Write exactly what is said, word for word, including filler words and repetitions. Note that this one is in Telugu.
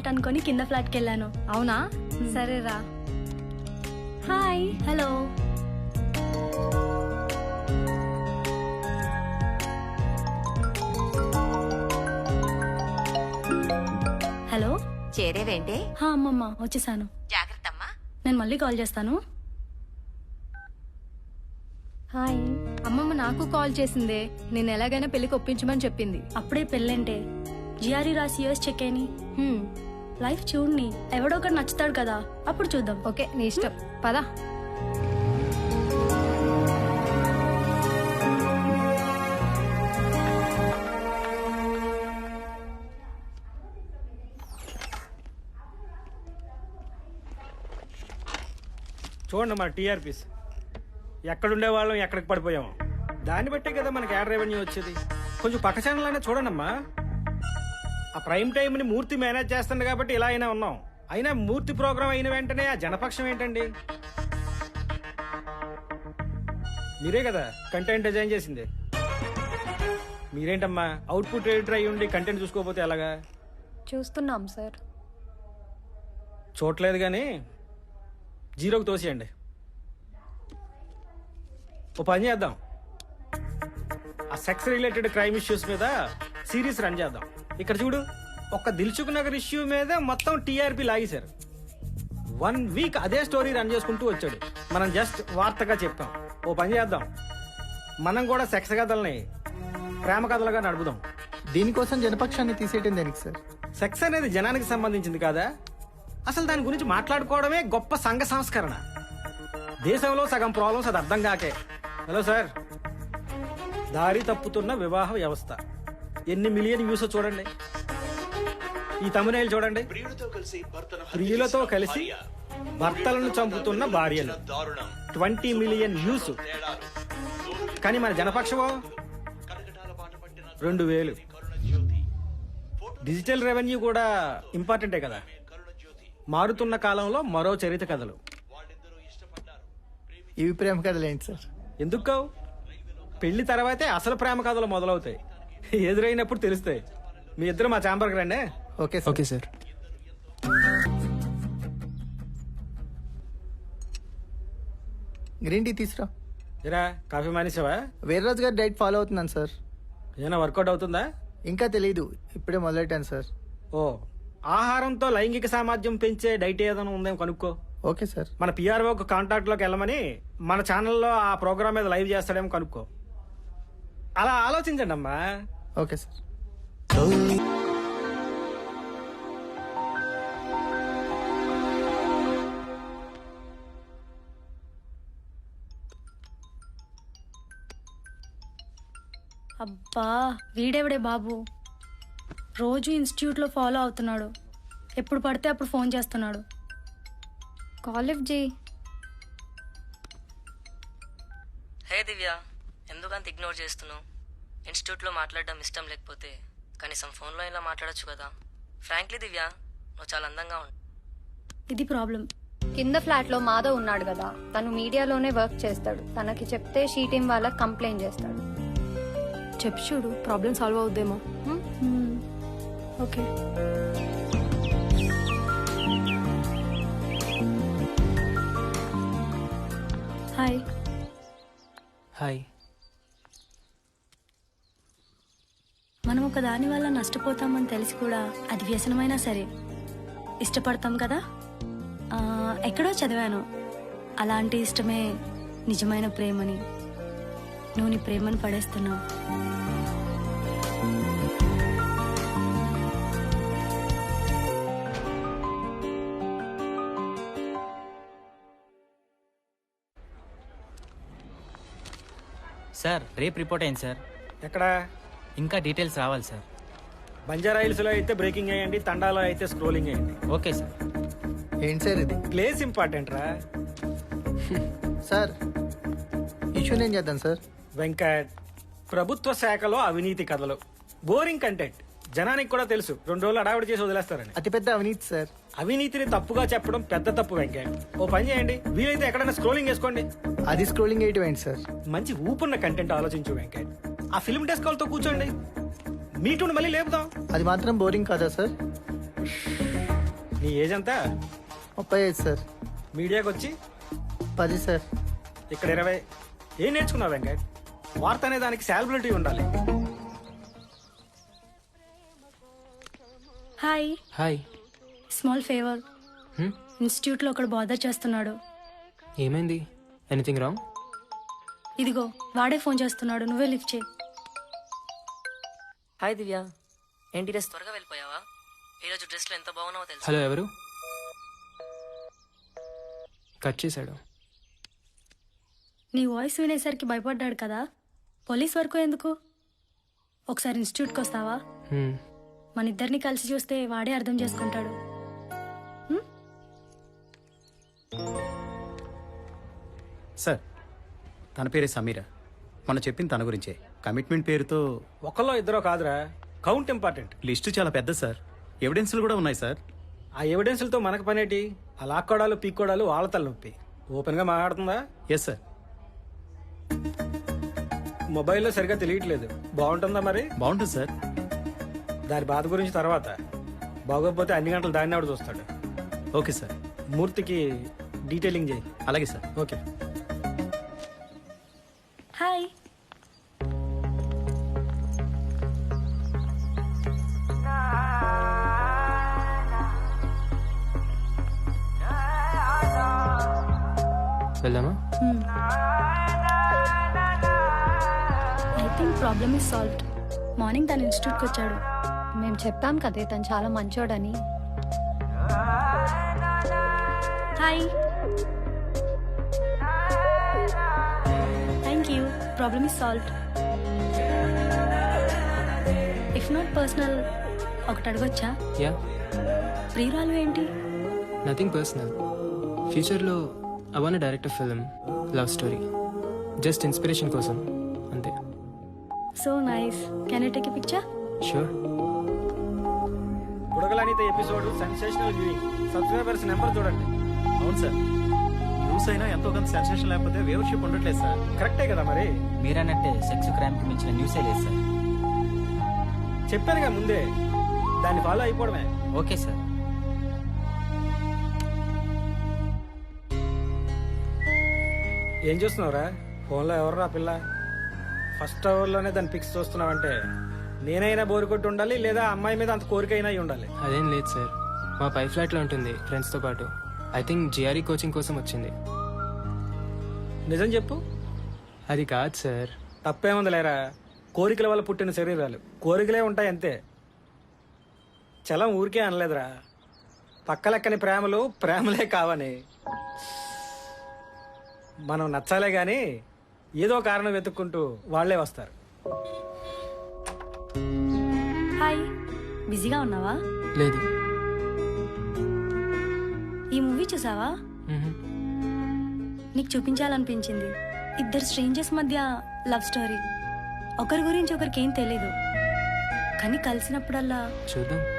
ఫ్లాట్ అనుకొని కింద ఫ్లాట్కి వెళ్ళాను. అవునా సరేరా. హాయ్. హలో. హలో. చేరేవేంటే? హా అమ్మమ్మ వచ్చేసాను. జాగ్రత్త అమ్మా. నేను మళ్ళీ కాల్ చేస్తాను. హాయ్. అమ్మమ్మ నాకు కాల్ చేసిందే, నేను ఎలాగైనా పెళ్లికి ఒప్పించమని చెప్పింది. అప్పుడే పెళ్ళంటే జిఆర్ఈ రాసి యూఎస్ చెక్ అయిని హ్మ్, లైఫ్ చూడని ఎవడో ఒకటి నచ్చుతాడు కదా, అప్పుడు చూద్దాం. ఓకే నీ ఇష్టం, పదా. చూడండి మన టీఆర్పీస్ ఎక్కడుండే వాళ్ళం ఎక్కడికి పడిపోయాము, దాన్ని బట్టే కదా మనకి యాడ్ రెవెన్యూ వచ్చేది. కొంచెం పక్క ఛానల్ అయినా చూడండమ్మా. ఆ ప్రైమ్ టైంని మూర్తి మేనేజ్ చేస్తుంది కాబట్టి ఇలా అయినా ఉన్నాం. అయినా మూర్తి ప్రోగ్రామ్ అయిన వెంటనే ఆ జనపక్షం ఏంటండి? మీరే కదా కంటెంట్ డిజైన్ చేసింది. మీరేంటమ్మా అవుట్పుట్ ఎడిటర్ అయ్యి ఉండి కంటెంట్ చూసుకోకపోతే ఎలాగా? చూస్తున్నాం సార్. చూడలేదు కానీ జీరోకి తోసేయండి. ఓ పని చేద్దాం, ఆ సెక్స్ రిలేటెడ్ క్రైమ్ ఇష్యూస్ మీద సిరీస్ రన్ చేద్దాం. ఇక్కడ చూడు, ఒక్క దిల్సుఖ్ నగర్ ఇష్యూ మీద మొత్తం టీఆర్పీ లాగేశారు. వన్ వీక్ అదే స్టోరీ రన్ చేసుకుంటూ వచ్చాడు. మనం జస్ట్ వార్తగా చెప్పాం. ఓ పని చేద్దాం, మనం కూడా సెక్స్ కథల్ని ప్రేమ కథలుగా నడుపుదాం. దీనికోసం జనపక్షాన్ని తీసేయటం దేనికి సార్? సెక్స్ అనేది జనానికి సంబంధించింది కాదా? అసలు దాని గురించి మాట్లాడుకోవడమే గొప్ప సంఘ సంస్కరణ. దేశంలో సగం ప్రాబ్లమ్స్ అది అర్థం కాకే. హలో సార్, దారి తప్పుతున్న వివాహ వ్యవస్థ ఎన్ని మిలియన్ వ్యూస్ చూడండి. ఈ తమిళ చూడండి, ప్రియులతో కలిసి భర్తలను చంపుతున్న భార్యలు, ట్వంటీ మిలియన్ వ్యూస్. కానీ మన జనపక్షమో రెండు వేలు. డిజిటల్ రెవెన్యూ కూడా ఇంపార్టెంటే కదా. మారుతున్న కాలంలో మరో చరిత్ర కథలు. ఇవి ప్రేమ కథలు ఏంటి సార్? ఎందుకు కావు? పెళ్లి తర్వాతే అసలు ప్రేమ కథలు మొదలవుతాయి. ఎదురైనప్పుడు తెలుస్తాయి. మీ ఇద్దరు మా ఛాంబర్కి రండి. Okay sir. Okay sir. Green tea తీసురా. ఇరా, కాఫీ మానేసావా? వీర్రాజు గారి డైట్ ఫాలో అవుతున్నాను సార్. ఏమైనా వర్కౌట్ అవుతుందా? ఇంకా తెలీదు, ఇప్పుడే మొదలెట్టాను సార్. ఓ, ఆహారంతో లైంగిక సామర్థ్యం పెంచే డైట్ ఏదైనా ఉందేమో కనుక్కో. Okay sir. మన పిఆర్ఓ కాంటాక్ట్ లోకి వెళ్ళమని మన ఛానల్లో ఆ ప్రోగ్రామ్ మీద లైవ్ చేస్తాడేమో కనుక్కో. అలా ఆలోచించండి అమ్మా. Okay sir. అబ్బా, వీడెవడే బాబు, రోజు ఇన్స్టిట్యూట్లో ఫాలో అవుతున్నాడు. ఎప్పుడు పడితే అప్పుడు ఫోన్ చేస్తున్నాడు. కాల్ లిఫ్ట్ చేయి. హే దివ్య, ఎందుకంత ఇగ్నోర్ చేస్తున్నావు? ఇన్స్టిట్యూట్లో మాట్లాడడం ఇష్టం లేకపోతే కనీసం ఫోన్లో ఇలా మాట్లాడొచ్చు కదా. ఫ్రాంక్లీ దివ్య, నువ్వు చాలా అందంగా ఉంటావు. ఇది ప్రాబ్లం. కింద ఫ్లాట్ లో మాధవ్ ఉన్నాడు కదా, తను మీడియాలోనే వర్క్ చేస్తాడు. తనకి చెప్తే షీ టీం వాళ్ళకి కంప్లైంట్ చేస్తాడు. చెప్పు చూడు, ప్రాబ్లం సాల్వ్ అవుద్దేమో. ఓకే. హాయ్. హాయ్. మనం ఒక దాని వల్ల నష్టపోతామని తెలిసి కూడా అది వ్యసనమైనా సరే ఇష్టపడతాం కదా. ఆ, ఎక్కడో చదివాను, అలాంటి ఇష్టమే నిజమైన ప్రేమని. నువ్వు నీ ప్రేమను పడేస్తున్నావు. సార్, రేపు రిపోర్ట్ అయింది సార్. ఎక్కడ? ఇంకా డీటెయిల్స్ రావాలి సార్. బంజారా హిల్స్ లో అయితే బ్రేకింగ్ అయ్యండి, తండాలో అయితే స్క్రోలింగ్ అయ్యండి. Okay sir. ఏంటి సార్ ఇది? ప్లేస్ ఇంపార్టెంట్ రా సార్. ఇష్యూ నేను చేద్దాం సార్. వెంకట్, ప్రభుత్వ శాఖలో అవినీతి కథలు, బోరింగ్ కంటెంట్. జనానికి కూడా తెలుసు, రెండు రోజులు అడావిడి చేసి వదిలేస్తారని. అతిపెద్ద అవినీతి సార్. అవినీతిని తప్పుగా చెప్పడం పెద్ద తప్పు వెంకట్. ఓ పని చేయండి, వీలైతే ఎక్కడైనా స్క్రోలింగ్ చేసుకోండి. అది స్క్రోలింగ్ వేయటం ఏంటి సార్? మంచి ఊపున్న కంటెంట్ ఆలోచించు వెంకట్. ఆ ఫిల్మ్ డెస్క్ వాళ్ళతో కూర్చోండి, మీటూని మళ్ళీ లేపుదాం. అది మాత్రం బోరింగ్ కాదా సార్? నీ ఏజ్ ఎంత? ముప్పై ఐదు సార్. మీడియాకి వచ్చి పది సార్. ఇక్కడ ఇరవై. ఏం నేర్చుకున్నావు వెంకట్? వార్త అనే దానికి సాలబిలిటీ ఉండాలి. Hi. Hi. Small favour. Hmm? ఇన్స్టిట్యూట్లో ఒకడు బాదర్ చేస్తున్నాడు. ఏమైంది? Anything wrong? ఇదిగో వాడే ఫోన్ చేస్తున్నాడు, నువ్వే లిఫ్ట్ చేయి. హాయ్ దివ్య, ఏంటి డ్రెస్ త్వరగా వెళ్ళిపోయావా? ఈరోజు డ్రెస్లో ఎంత బాగున్నావో తెలుసు. హలో, ఎవరు? కట్ చేశాడు. నీ వాయిస్ వినేసరికి భయపడ్డాడు కదా, పోలీస్ వరకు ఎందుకు? ఒకసారి ఇన్స్టిట్యూట్కి వస్తావా? హ్మ్. మన ఇద్దరిని కలిసి చూస్తే వాడే అర్థం చేసుకుంటాడు. సార్, తన పేరే సమీర. మొన్న చెప్పింది తన గురించే. కమిట్మెంట్ పేరుతో ఒకళ్ళో ఇద్దరో కాదురా, కౌంట్ ఇంపార్టెంట్. లిస్టు చాలా పెద్ద సార్. ఎవిడెన్స్లు కూడా ఉన్నాయి సార్. ఆ ఎవిడెన్స్లతో మనకు పనేటి? ఆ లాక్కోడాలు పీక్కోడాలు వాళ్ళ తలనొప్పి. ఓపెన్గా మాట్లాడుతుందా? Yes sir. మొబైల్లో సరిగా తెలియట్లేదు. బాగుంటుందా మరి? బాగుంటుంది సార్. దాని బాధ గురించి తర్వాత. బాగోకపోతే అన్ని గంటలు దాన్ని ఆవిడ చూస్తాడు. Okay sir. మూర్తికి డీటెయిలింగ్ చేయి. అలాగే సార్. ఓకే. హాయ్. వెళ్దామా? I think problem is solved. Morning తన ఇన్స్టిట్యూట్కి వచ్చాడు. మేము చెప్పాం కదే తను చాలా మంచోడని. Hi. Thank you. Problem is solved. If not personal, ఒకటి అడగొచ్చా? యా. ప్రియురాలు ఏంటి? Nothing personal. ఫ్యూచర్లో I want direct film love story. Just inspiration కోసం అంతే. So nice. Can you take a picture? Sure. బుడగలనిత episode sensational viewing. Subscribers number చూడండి. అవును సార్. న్యూస్ అయినా ఎంతో కొంత సెన్సేషన్ లేకపోతే వ్యూవర్షిప్ ఉండట్లేదు సార్. కరెక్టే కదా మరి. మీరన్నట్టే సెక్స్ క్రైమ్కి మించిన న్యూసే లేదు సార్. చెప్పానుగా ముందే, దాన్ని ఫాలో అయిపోవడమే. Okay sir. ఏం చూస్తున్నావురా? ఫోన్లో ఎవర్రా పిల్ల? ఫస్ట్ అవర్లోనే దాన్ని పిక్స్ చూస్తున్నావంటే నేనైనా బోరు కొట్టి ఉండాలి, లేదా అమ్మాయి మీద అంత కోరికైనా అయి ఉండాలి. అదేం లేదు సార్. మా పై ఫ్లాట్లో ఉంటుంది ఫ్రెండ్స్తో పాటు. ఐ థింక్ జిఆర్ఈ కోచింగ్ కోసం వచ్చింది. నిజం చెప్పు. అది కాదు సార్. తప్పేముంది లేరా, కోరికల వల్ల పుట్టిన శరీరాలు కోరికలే ఉంటాయి అంతే. చలం ఊరికే అనలేదురా. పక్కలెక్కని ప్రేమలు ప్రేమలే కావని. మనం నచ్చాలే గాని ఏదో కారణం వెతుక్కుంటూ వాళ్లే వస్తారు. హాయ్. బిజీగా ఉన్నావా? లేదు. ఈ మూవీ చూసావా? మ్హూ. నీకు చూపించాలనిపించింది. ఇద్దరు స్ట్రేంజర్స్ మధ్య లవ్ స్టోరీ. ఒకరి గురించి ఒకరికి ఏం తెలీదు, కానీ కలిసినప్పుడల్లా చూద్దాం.